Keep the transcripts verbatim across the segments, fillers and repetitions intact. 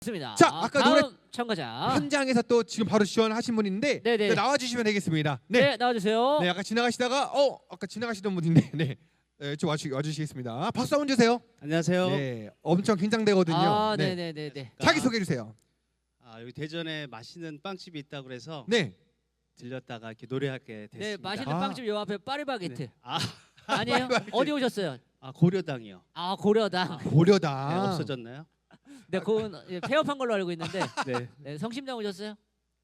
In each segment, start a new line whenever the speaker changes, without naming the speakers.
좋습니다.
자, 아까
다음
노래
참가자
현장에서 또 지금 바로 지원하신 분인데
네네.
네, 나와 주시면 되겠습니다.
네,
네.
나와주세요.
네, 아까 지나가시다가 어, 아까 지나가시던 분인데 네. 네, 좀 와주, 와주시겠습니다. 박수 한번 주세요.
안녕하세요.
네, 엄청 긴장되거든요.
아,
네.
네네네네.
자기 소개해 주세요.
아, 여기 대전에 맛있는 빵집이 있다고 그래서
네.
들렸다가 이렇게 노래하게 됐습니다.
네, 맛있는
아.
빵집 요 앞에 파리바게트.
네. 아,
아니에요?
파리바게트.
어디 오셨어요?
아 고려당이요.
아, 고려당.
아,
고려다.
네, 없어졌나요?
네, 그건 예, 폐업한 걸로 알고 있는데.
네.
네, 성심당 오셨어요?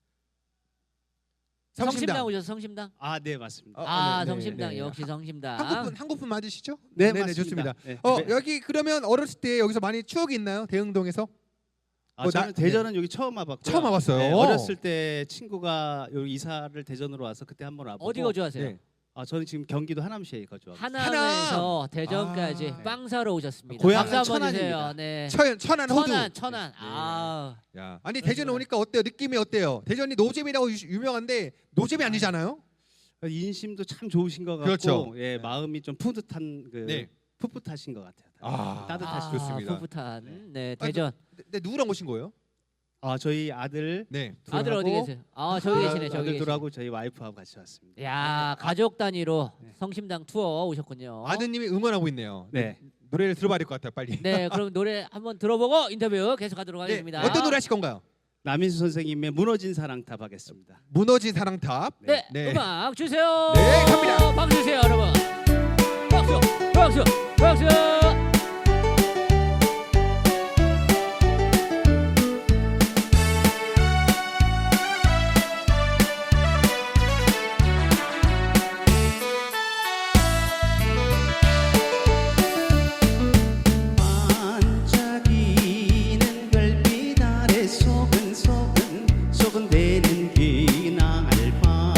성심당.
오셨어요? 성심당?
아, 네 맞습니다.
어,
아,
네, 네,
성심당
네.
역시 성심당.
한국분 한국분 맞으시죠?
네,
네네,
맞습니다.
좋습니다.
네.
어,
네.
여기 그러면 어렸을 때 여기서 많이 추억이 있나요? 대흥동에서?
아,
뭐
저는
나-
대전은 여기 처음 와봤고요.
처음 와봤어요.
네, 어렸을 때 친구가 여기 이사를 대전으로 와서 그때 한번 와보고.
어디 거주하세요?
네.
아, 저는 지금 경기도 하남시에 거주하고.
하남에서 대전까지
아.
빵 사러 오셨습니다.
고향은
박수 한번 주세요.
천안입니다.
네.
천, 천안 호두.
천안, 천안.
네.
아,
야, 아니 대전 오니까 어때요? 느낌이 어때요? 대전이 노잼이라고 유- 유명한데 노잼이 아니잖아요.
인심도 참 좋으신 것 같고,
그렇죠.
예, 마음이 좀 푸듯한 그
네.
풋풋하신 것 같아요.
아,
따뜻하시
아,
좋습니다.
풋풋한.
네.
네,
아,
대전.
네, 네, 누구랑 오신 거예요?
아, 저희 아들
네.
아들 어디
둘하고
계세요? 아, 저기 계시네. 저기
아들
계시네.
둘하고 저희 와이프하고 같이 왔습니다.
야, 가족 단위로
네.
성심당 투어 오셨군요.
아드님이 응원하고 있네요.
네.
노래를 들어봐야 될 것 같아요, 빨리.
네, 그럼 노래 한번 들어보고 인터뷰 계속하도록
네,
하겠습니다.
어떤 노래 하실 건가요?
남인수 선생님의 무너진 사랑탑 하겠습니다.
무너진 사랑탑.
네,
네.
음악 주세요.
네, 갑니다.
박수 주세요, 여러분. 박수, 박수, 박수.
반짝이는 별빛 아래 소근소근 소근대는 기나을 밤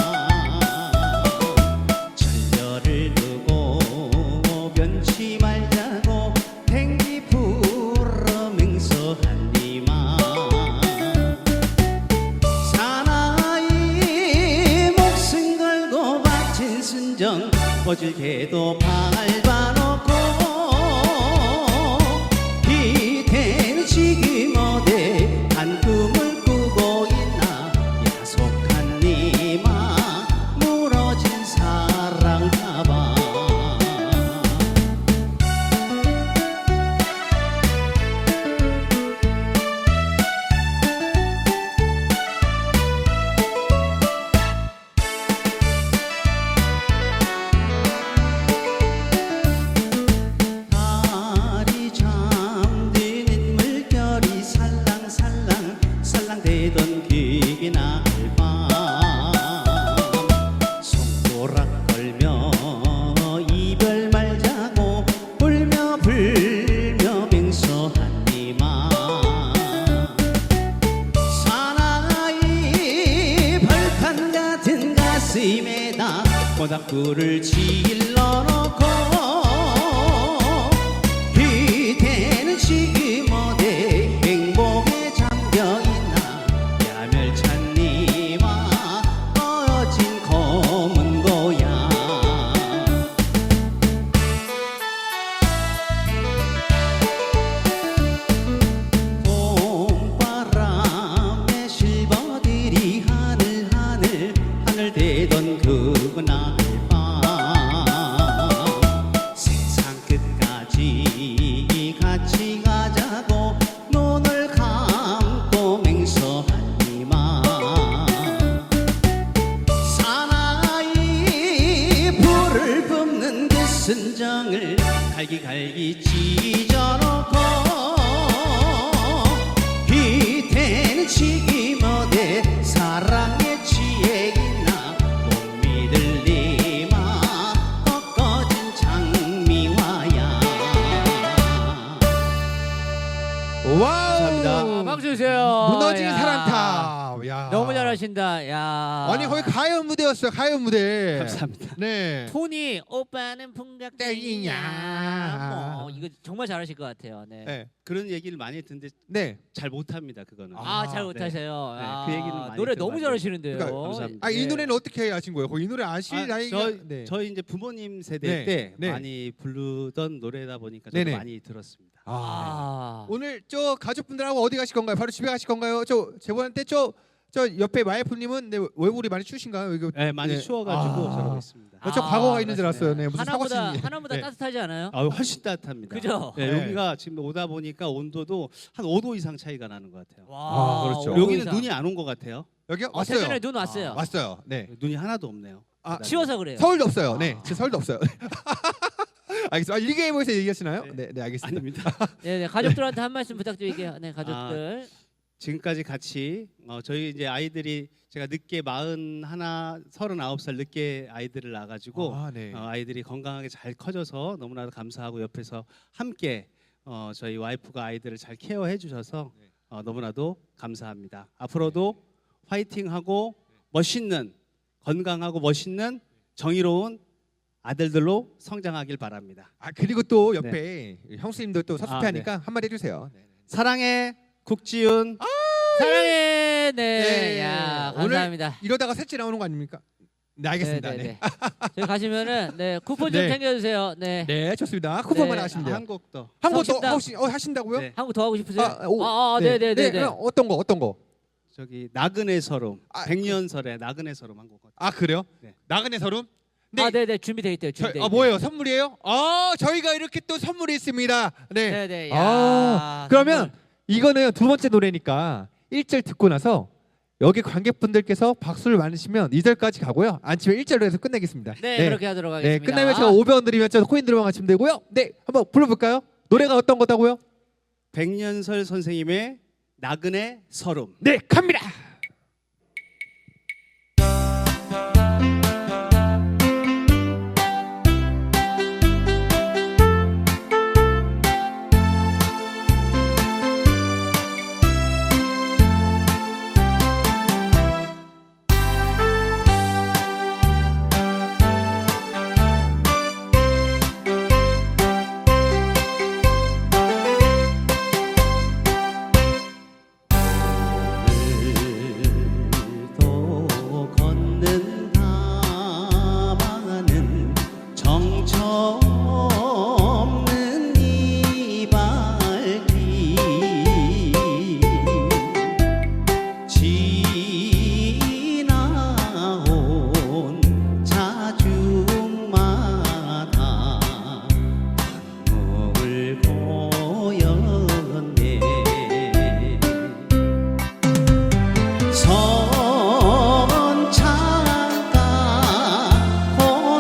전열을 두고 변치 말자고 행기 불어 맹서한 이만 사나이 목숨 걸고 바친 순정 거칠게도 밟아놓고 기대는 지금 어디 한 꿈을 꾸고 있나 야속한 니마 무너진 사랑 가방 달이 잠드는 물결이 살랑살랑 살랑대던 기나을 밤 손가락 걸며 이별 말자고 울며 불며 맹서한 이만 사나이 벌판 같은 가슴에다 모닥불을 질러놓고 기대는 지금 어디 행복에 잠겨있나 야멸찬 니와 꺼진 검은 고향 봄바람에 실버들이 하늘 하늘 하늘 대던 그날 밤 세상 끝까지 같이 가자고 눈을 감고 맹서한 이만 사나이 불을 뿜는 그 순정을 갈기갈기 찢어놓고 기대는 지금 어디 사랑에 취해 있나 못 믿을 니마 꺾어진 장미화야
와우.
감사합니다.
아, 박수 주세요.
무너진
야.
사랑탑. 야.
너무 잘하신다. 야.
아니 거의 가요 무대였어요. 가요 무대.
감사합니다.
네.
톤이 오빠는 풍각땡이냐.
땡이냐.
뭐 이거 정말 잘하실 것 같아요. 네.
네.
그런 얘기를 많이 듣는데
네.
잘 못합니다. 그거는.
아,
아,
잘
네.
못하세요.
네,
아,
그 얘기는 많이
노래 너무
들어봤는데.
잘하시는데요.
그러니까
감사합니다.
아, 이
네.
노래는 어떻게 하신 거예요? 거의 이 노래 아실
아,
나이가
저희,
네.
저희 이제 부모님 세대
네.
때
네.
많이 부르던 노래다 보니까 저도
네네.
많이 들었습니다.
아.
아.
오늘 저 가족분들하고 어디 가실 건가요? 바로 집에 가실 건가요? 저 제보한테 저 저 옆에 와이프님은 네, 얼굴이 많이 추우신가요? 이거
네, 많이
네.
추워가지고
아.
저러고 있습니다.
아, 저
아,
과거가 있는 줄
맞습니다.
알았어요. 네, 무슨
하나보다
사고신지.
하나보다
네.
따뜻하지 않아요?
아, 훨씬 따뜻합니다.
그죠?
네,
네.
여기가 지금 오다 보니까 온도도 한 오 도 이상 차이가 나는 것 같아요.
와.
아, 그렇죠.
오도
여기는
이상.
눈이 안 온 것 같아요.
여기
어,
왔어요.
대전에 눈 왔어요.
아,
왔어요. 네.
눈이 하나도 없네요.
아,
그다음에.
치워서 그래요.
서울도 없어요. 네,
아.
제 서울도 없어요. 알겠습니다. 아, 일기예보에서 얘기하시나요?
네.
네, 네, 알겠습니다.
아닙니다.
네, 네, 가족들한테 한 말씀 부탁드릴게요. 네, 가족들.
지금까지 같이 어, 저희 이제 아이들이 제가 늦게 마흔 하나 서른아홉 살 늦게 아이들을 낳아가지고
아, 네.
어, 아이들이 건강하게 잘 커져서 너무나도 감사하고 옆에서 함께 어, 저희 와이프가 아이들을 잘 케어해 주셔서 어, 너무나도 감사합니다. 앞으로도 화이팅하고 멋있는 건강하고 멋있는 정의로운 아들들로 성장하길 바랍니다.
아, 그리고 또 옆에 형수님도 또 섭섭해하니까
아, 네.
한마디 해주세요. 네.
사랑해 국지윤.
사랑해. 네.
네.
야,
오늘
감사합니다.
이러다가 셋째 나오는 거 아닙니까? 네, 알겠습니다.
네,
네,
네,
네.
네. 저희 가시면은 네, 쿠폰 좀
네.
챙겨 주세요. 네.
네, 좋습니다. 쿠폰만
네.
하시면 돼요.
한 곡 더.
한 번 더
성심당.
혹시 어, 하신다고요?
네.
한 거 더 하고 싶으세요?
아, 오,
아, 아, 네, 네, 네, 네.
그럼 어떤 거 어떤 거?
저기 나그네 서름.
아,
백년설의 나그네 서름 한 곡.
아, 그래요?
네.
나그네 서름? 네.
아, 네, 네. 준비돼 있대요.
저,
준비돼
아, 뭐예요? 선물이에요? 아, 저희가 이렇게 또 선물이 있습니다. 네.
네, 네. 야.
아, 그러면
선물.
이거는 두 번째 노래니까 일 절 듣고 나서 여기 관객분들께서 박수를 많으시면 이 절까지 가고요. 안 치면 일 절로 해서 끝내겠습니다.
네, 그렇게 하도록 하겠습니다.
네, 끝나면 제가 오백 원 드리면 저 코인 들어만 하시면 되고요. 네, 한번 불러볼까요? 노래가 어떤 거다고요?
백년설 선생님의 나그네 서름.
네, 갑니다.
오늘도 걷는다 많은 정처 없는 이 발길 지나온 자중마다 한목을 보였네. 선창가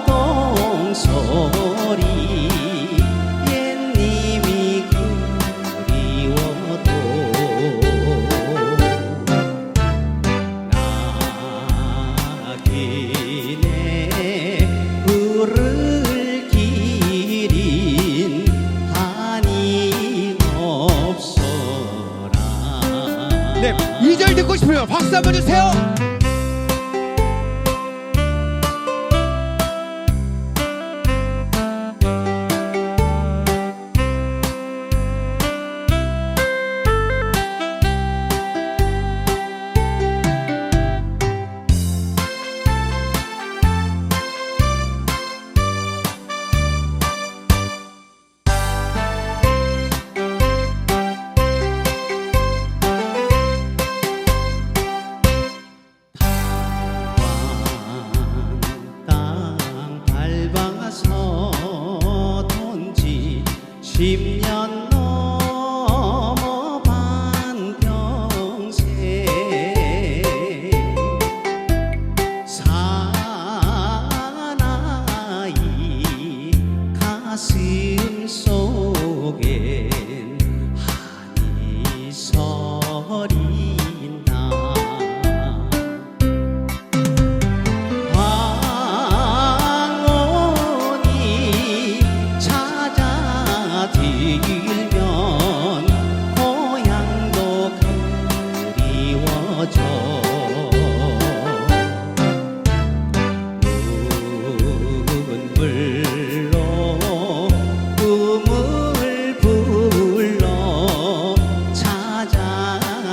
고동소리 옛님이 그리워도 낙인에 불을 기린 한이 없어라.
네, 이 절 듣고 싶으면 박수 한번 주세요.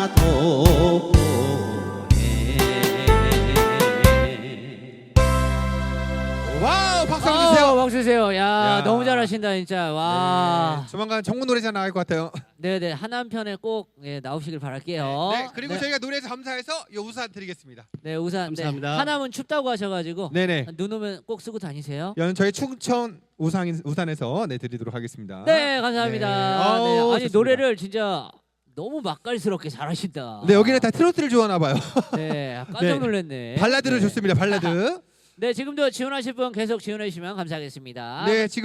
나도 보내.
와우, 박수 한번
어,
주세요.
박수 주세요. 야,
야.
너무 잘하신다 진짜. 와.
네, 조만간 전국 노래자 나갈 것 같아요.
네, 네. 하남편에 꼭 예, 나오시길 바랄게요.
네, 그리고
네,
저희가 노래에서 감사해서 이 우산 드리겠습니다.
네, 우산.
감사합니다.
네. 하남은 춥다고 하셔가지고
네네.
눈 오면 꼭 쓰고 다니세요.
연 저희 충청 우산 우산에서 네 드리도록 하겠습니다.
네, 감사합니다.
네.
네.
아우,
아니
좋습니다.
노래를 진짜 너무 맛깔스럽게 잘하신다.
네, 여기는 다 트로트를 좋아하나 봐요.
네, 깜짝
네.
놀랐네.
발라드를
네.
좋습니다. 발라드.
네, 지금도 지원하실 분 계속 지원해 주시면 감사하겠습니다.
네, 지금